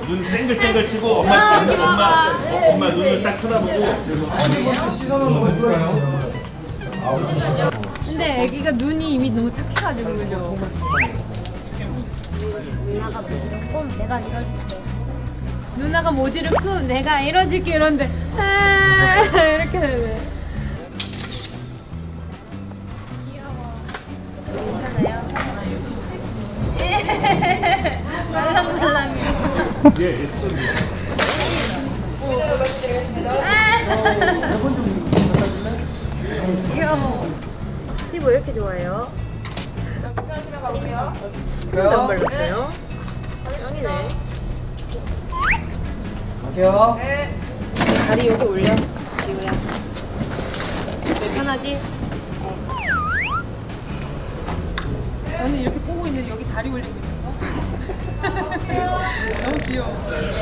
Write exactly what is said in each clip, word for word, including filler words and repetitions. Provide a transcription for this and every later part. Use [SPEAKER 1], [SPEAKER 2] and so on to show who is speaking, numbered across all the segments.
[SPEAKER 1] 눈 땡글땡글 치고 엄마 엄마 엄마, 엄마 눈을 딱 쳐다보고.
[SPEAKER 2] 근데 애기가 눈이 이미 너무 착해가지고 그죠?
[SPEAKER 3] 누나가 무조건 내가 이럴게.
[SPEAKER 2] 누나가 못 이렇고 내가 이뤄줄게 이런데 아 이렇게 되네. 귀여워. 괜찮아요? 말랑말랑해요.
[SPEAKER 1] 예, 예쁘네.
[SPEAKER 2] 귀여워. 피부 왜 이렇게 좋아해요? 여기까지만 가볼게요. 안 발랐어요? 짱이네.
[SPEAKER 4] 갈게요.
[SPEAKER 2] 네. 다리 여기 올려, 지우야. 왜 편하지? 저는 이렇게 꼬고 있는데 여기 다리 올리고 있는 거? 너무 귀여워.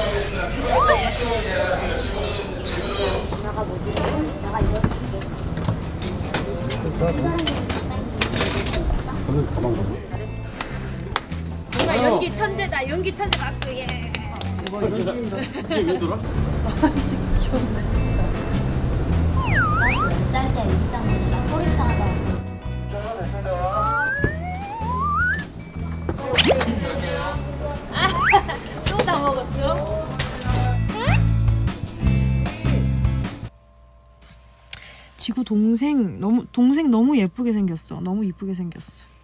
[SPEAKER 3] 누나가 무조건 내가 이럴게.
[SPEAKER 2] 뭔가 연기 천재다. 연기 천재 박수. 예.
[SPEAKER 1] 이게 왜 돌아?
[SPEAKER 2] 귀엽다 진짜.
[SPEAKER 3] 나 쌀 때 입장 나 허리 상하다고.
[SPEAKER 2] 또 다 먹었어?
[SPEAKER 5] 지구 동생 너무 동생 너무 예쁘게 생겼어. 너무 이쁘게 생겼어.